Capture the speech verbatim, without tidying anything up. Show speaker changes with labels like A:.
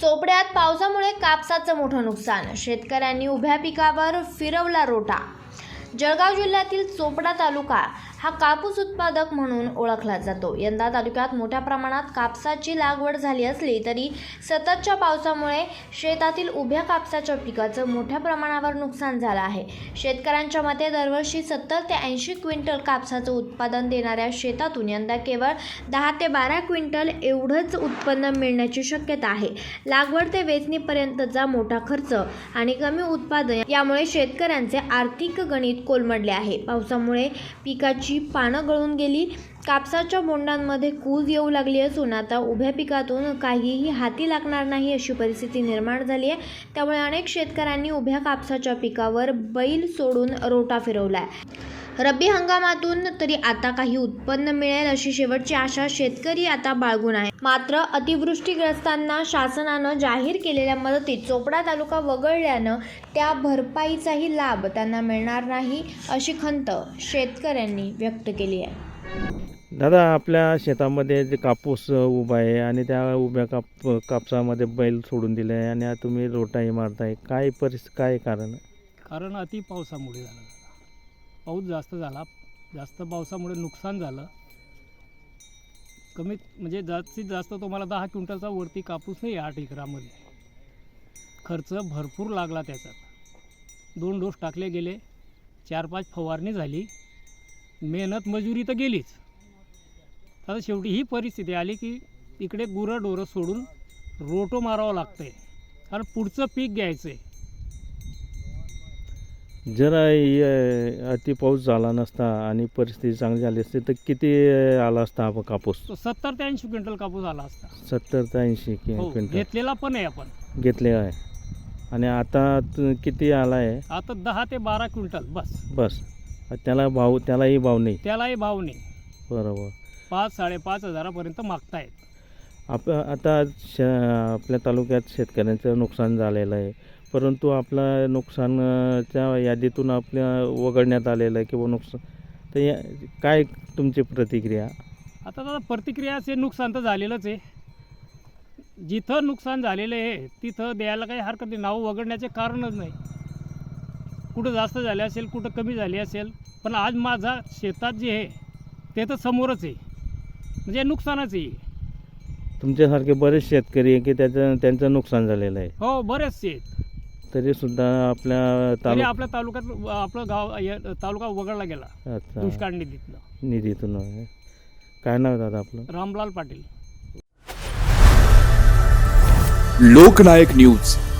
A: चोपड्यात पावसामुळे कापसाचं मोठं नुकसान, शेतकऱ्यांनी उभ्या पिकावर फिरवला रोटा। जळगाव जिल्ह्यातील चोपडा तालुका हा कापूस उत्पादक म्हणून ओळखला जातो। यंदा तालुक्यात मोठ्या प्रमाणात कापसाची लागवड झाली असली तरी सततच्या पावसामुळे शेतातील उभ्या कापसाच्या पिकाचं मोठ्या प्रमाणावर नुकसान झालं आहे। शेतकऱ्यांच्या मते दरवर्षी सत्तर ते ऐंशी क्विंटल कापसाचं उत्पादन देणाऱ्या शेतातून यंदा केवळ दहा ते बारा क्विंटल एवढंच उत्पन्न मिळण्याची शक्यता आहे। लागवड ते वेचणीपर्यंतचा मोठा खर्च आणि कमी उत्पादन यामुळे शेतकऱ्यांचे आर्थिक गणित कोलमडले आहे। पावसामुळे पिकाची पानं गळून गेली, कापसाच्या बोंडांमध्ये कूज येऊ लागली असून आता उभ्या पिकातून काहीही हाती लागणार नाही अशी परिस्थिती निर्माण झाली आहे। त्यामुळे अनेक शेतकऱ्यांनी उभ्या कापसाच्या पिकावर बैल सोडून रोटा फिरवलाय। रब्बी हंगामातून तरी आता काही उत्पन्न मिळेल अशी शेवटची आशा शेतकरी आता बाळगून आहे। मात्र अतिवृष्टीग्रस्तांना शासनानं जाहीर केलेल्या मदतीत चोपडा तालुका वगळल्यानं त्या भरपाईचाही लाभ त्यांना मिळणार नाही अशी खंत शेतकऱ्यांनी व्यक्त केली आहे।
B: दादा, आपल्या शेतामध्ये जे कापूस उभा आहे आणि त्या उभ्या काप कापसामध्ये बैल सोडून दिले आहे आणि आता तुम्ही रोटाही मारताय, काय परिस्थिती, काय कारण?
C: कारण अति पावसामुळे झालं, पाऊस जास्त झाला, जास्त पावसामुळे नुकसान झालं। कमीत म्हणजे जास्तीत जास्त तुम्हाला दहा क्विंटलचा वरती कापूस नाही आठ एकरामध्ये। खर्च भरपूर लागला त्याच्यात, दोन डोस टाकले गेले, चार पाच फवारणी झाली, मेहनत मजुरी तर गेलीच। आता शेवटी ही परिस्थिती आली की इकडे गुरं डोरं सोडून रोटो मारावं लागतंय, कारण पुढचं पीक घ्यायचं आहे।
B: जर अति पाऊस झाला नसता आणि परिस्थिती चांगली झाली असती तर किती आला असता हा कापूस?
C: सत्तर ते ऐंशी क्विंटल कापूस आला असता।
B: सत्तर ते ऐंशी
C: हो,
B: क्विंटल
C: घेतलेला पण आहे आपण,
B: घेतले आहे। आणि आता त- किती आला आहे?
C: आता दहा ते बारा क्विंटल बस
B: बस। त्याला भाव, त्यालाही भाव नाही?
C: त्यालाही भाव नाही।
B: बरोबर।
C: पाच साडेपाच हजारापर्यंत मागतायत।
B: आप आता श आपल्या तालुक्यात शेतकऱ्यांचं नुकसान झालेलं आहे, परंतु आपलं नुकसानच्या यादीतून आपल्या वगळण्यात आलेलं आहे किंवा नुकसान, तर या काय तुमची प्रतिक्रिया?
C: आता दादा प्रतिक्रियाचे नुकसान तर झालेलंच आहे। जिथं नुकसान झालेलं आहे तिथं द्यायला काही हरकत नाही, नाव वगळण्याचे कारणच नाही। कुठं जास्त झाले असेल, कुठं कमी झाले असेल, पण आज माझा शेतात जे आहे ते तर समोरच आहे, म्हणजे नुकसानच आहे।
B: तुमच्यासारखे बरेच शेतकरी आहे की त्याचं त्यांचं नुकसान झालेलं आहे?
C: हो, बरेचसे आहेत।
B: तरीसुद्धा आपल्या
C: तरी
B: तालुक
C: आपल्या तालुक्यात आपलं गाव या- तालुका वगळला गेला
B: अच्छा,
C: दुष्काळ निधीतनं।
B: निधीतून आहे। काय नाव दादा आपलं?
C: रामलाल पाटील।
D: लोकनायक न्यूज।